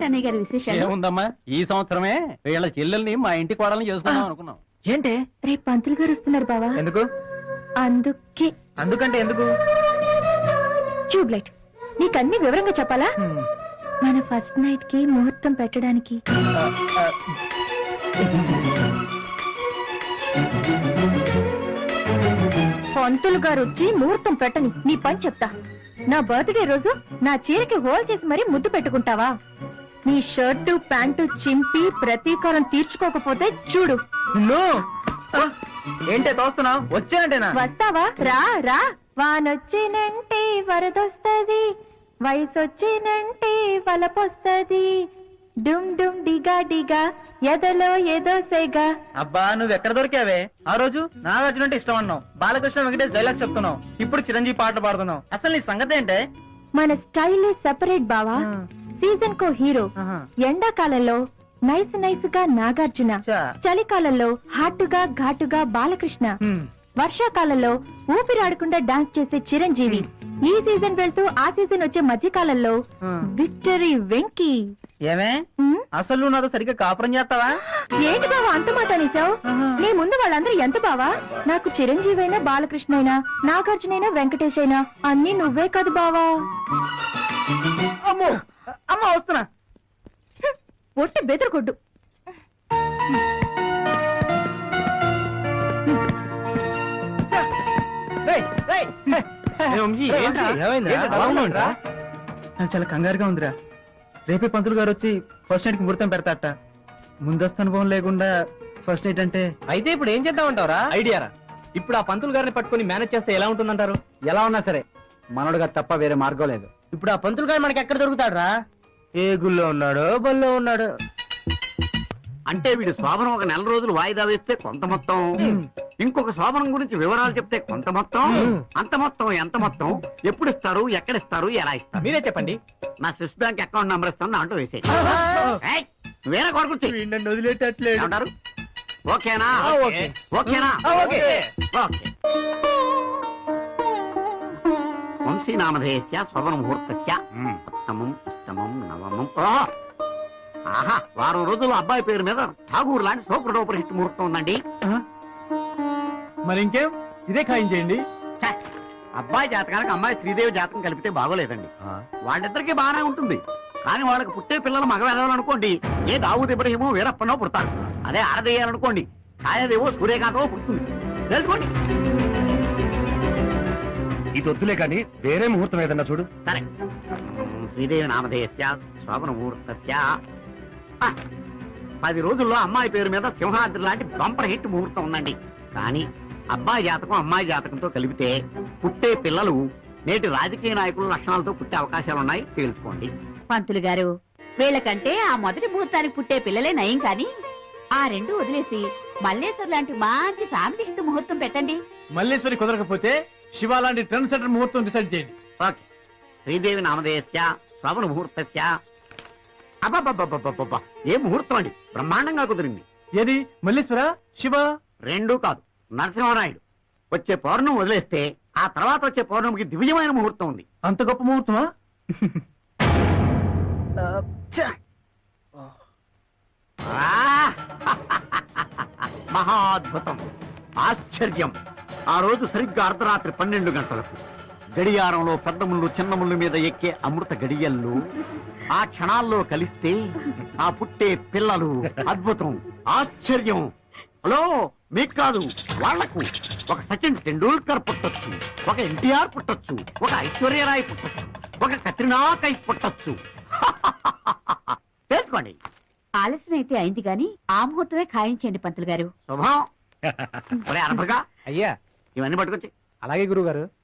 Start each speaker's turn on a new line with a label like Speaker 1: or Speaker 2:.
Speaker 1: అన్నయ్య గారి విశేషాలు?
Speaker 2: ఏముందమ్మా, ఈ సంవత్సరమే వీళ్ళ చెల్లెల్ని మా ఇంటి కోడల్ని చేసుకుందాం అనుకున్నాం.
Speaker 3: ఏంటి?
Speaker 1: రేపు పంతులు గారు వస్తున్నారు బావా.
Speaker 3: ఎందుకు?
Speaker 1: అందుకే.
Speaker 3: అందుకంటే ఎందుకు?
Speaker 1: ట్యూబ్లైట్ నీకన్నీ వివరంగా చెప్పాలా? మన ఫస్ట్ నైట్ కి ముహూర్తం పెట్టడానికి. పంతులు గారు వచ్చి ముహూర్తం పెట్టని నీ పని చెప్తా. నా బర్త్డే రోజు నా చీరకి హోల్ చేసి మరీ ముద్దు పెట్టుకుంటావా? నీ షర్టు ప్యాంటు చింపి ప్రతీకారం తీర్చుకోకపోతే చూడు.
Speaker 3: ఏంటే తోస్తున్నావు? వచ్చానంటేనా?
Speaker 1: వస్తావా? రా రా. వానొచ్చినంటే వరదొస్తది, వయసొచ్చినంటే వలపొస్తది, డుమ్ డుమ్ డిగా డిగా ఎదలో ఏదో సెగా.
Speaker 3: అబ్బా నువ్వు ఎక్కడ దొరికావే? ఆ రోజు నాగార్జున అంటే ఇష్టం అన్నావు, బాలకృష్ణ వెంకటేష్ డైలాగ్ చెప్తున్నావు, ఇప్పుడు చిరంజీవి పాటలు పాడుతున్నావు. అసలు నీ సంగతి ఏంటే?
Speaker 1: మన స్టైల్ సెపరేట్ బావా. సీజన్ కో హీరో. ఎండాకాలంలో నైస్ నైస్ గా నాగార్జున, చలికాలంలో హాటుగా ఘాటుగా బాలకృష్ణ, వర్షాకాలంలో ఊపిరాడకుండా డాన్స్ చేసే చిరంజీవి, ఈ సీజన్ వెళ్తూ ఆ సీజన్ వచ్చే మధ్యకాలంలో విక్టరీ వెంకీ.
Speaker 3: ఏమే అసలు నువ్వు నాతో సరిగ్గా కాపురం చేస్తావా?
Speaker 1: ఏంటి బావా అంత మాట అనేసావు? నీ ముందు వాళ్ళందరూ ఎంత బావా? నాకు చిరంజీవి అయినా బాలకృష్ణ అయినా నాగార్జున అయినా వెంకటేష్ అయినా అన్ని నువ్వే కాదు బావా.
Speaker 3: అమ్మో అమ్మ వస్తున్నా.
Speaker 1: ఒట్టి బెదరకొడ్డు.
Speaker 3: నాకు చాలా కంగారుగా ఉందిరా. రేపే పంతులు గారు వచ్చి ఫస్ట్ నైట్ కి ముహూర్తం పెడతాట. ముందస్తు అనుభవం లేకుండా ఫస్ట్ నైట్ అంటే
Speaker 2: అయితే ఇప్పుడు ఏం చేద్దామంటారా? ఐడియారా. ఇప్పుడు ఆ పంతులు గారిని పట్టుకుని మేనేజ్ చేస్తే ఎలా ఉంటుందంటారు? ఎలా ఉన్నా సరే మనోడుగా తప్ప వేరే మార్గం లేదు. ఇప్పుడు ఆ పంతులు గారు మనకి ఎక్కడ దొరుకుతాడు?
Speaker 3: ఏ గుళ్ళో ఉన్నాడో బల్లో ఉన్నాడు.
Speaker 4: అంటే వీడి శోభనం ఒక నెల రోజులు వాయిదా వేస్తే కొంత మొత్తం, ఇంకొక శోభనం గురించి వివరాలు చెప్తే కొంత మొత్తం, అంత మొత్తం ఎంత మొత్తం, ఎప్పుడు ఇస్తారు, ఎక్కడ ఇస్తారు, ఎలా ఇస్తారు?
Speaker 2: మీరే చెప్పండి.
Speaker 4: నా స్విస్ బ్యాంక్ అకౌంట్ నంబర్ ఇస్తాను, దాంట్లో వేసేయి. వేరే కొడుకు
Speaker 3: వదిలేటట్లేదు.
Speaker 4: అంటారు. ఓకేనా? ఓకేనా? ఓకే. వంశీనామధేయస్య శోభన ముహూర్తస్య ఉత్తమం అష్టమం నవమం. ఆహా, వారం రోజులు అబ్బాయి పేరు మీద ఠాగూర్ లాంటి సూపర్ డూపర్ హిట్ ముహూర్తం ఉందండి.
Speaker 2: మరి ఇంకేం, ఇదే ఖాయం చేయండి.
Speaker 4: అబ్బాయి జాతకానికి అమ్మాయి శ్రీదేవి జాతకం కలిపితే బాగోలేదండి. వాళ్ళిద్దరికీ బాగానే ఉంటుంది, కానీ వాళ్ళకి పుట్టే పిల్లలు మగవేదవాలనుకోండి, ఏ దావూద్ ఇబ్రహీమో వీరప్పనో పుడతారు. అదే ఆడదేయాలనుకోండి, ఛాయాదేవో సూర్యకాంతమో పుడుతుంది. తెలుసుకోండి.
Speaker 2: ఇది వద్దులే కానీ వేరే ముహూర్తం ఏదన్నా చూడు.
Speaker 4: సరే, శ్రీదేవి నామధేయస్య శోభన ముహూర్తస్య 10 రోజుల్లో అమ్మాయి పేరు మీద సింహాద్రి లాంటి బంపర్ హిట్ ముహూర్తం ఉందండి. కానీ అబ్బాయి జాతకం అమ్మాయి జాతకంతో కలిపితే పుట్టే పిల్లలు నేటి రాజకీయ నాయకుల లక్షణాలతో పుట్టే అవకాశాలున్నాయి, తెలుసుకోండి.
Speaker 1: పంతులు గారు, వీళ్ళకంటే ఆ మొదటి ముహూర్తానికి పుట్టే పిల్లలే నయం, కానీ ఆ రెండు వదిలేసి మల్లేశ్వర్ లాంటి మంచి ఫ్యామిలీ హిట్ ముహూర్తం పెట్టండి.
Speaker 2: మల్లేశ్వరి కుదరకపోతే శివ లాంటి ట్రెండ్ సెంటర్ ముహూర్తం డిసైడ్ చేయండి.
Speaker 4: ఓకే. శ్రీదేవి నామధేయస్య శ్రవణ ముహూర్తస్య. అబ్బబ్బబ్బబ్బబ్బబ్బా, ఏ ముహూర్తం అండి, బ్రహ్మాండంగా కుదిరింది.
Speaker 2: ఏది మల్లేశ్వర శివ?
Speaker 4: రెండూ కాదు, నరసింహనాయుడు. వచ్చే పౌర్ణమి వదిలేస్తే ఆ తర్వాత వచ్చే పౌర్ణమికి దివ్యమైన ముహూర్తం ఉంది.
Speaker 2: అంత గొప్ప ముహూర్తమా?
Speaker 4: మహాద్భుతం, ఆశ్చర్యం. ఆ రోజు సరిగ్గా అర్ధరాత్రి 12 గంటలకు గడియారంలో పెద్ద ముళ్ళు చిన్న ముళ్ళు మీద ఎక్కే అమృత గడియల్లో ఆ క్షణాల్లో కలిస్తే ఆ పుట్టే పిల్లలు అద్భుతం, ఆశ్చర్యం. హలో, మీకు కాదు వాళ్లకు. ఒక సచిన్ టెండూల్కర్ పుట్టొచ్చు, ఒక ఎన్టీఆర్ పుట్టొచ్చు, ఒక ఐశ్వర్యరాయ్ పుట్టొచ్చు, ఒక కత్రినా కైఫ్ పుట్టొచ్చు. తెలుసుకోండి.
Speaker 1: ఆలస్యం అయితే అయింది గాని ఆ ముహూర్తమే ఖాయించండి పంతులు గారు.
Speaker 4: శుభం. అనపగా
Speaker 2: అయ్యా,
Speaker 4: ఇవన్నీ పట్టుకొచ్చి.
Speaker 2: అలాగే గురువు గారు.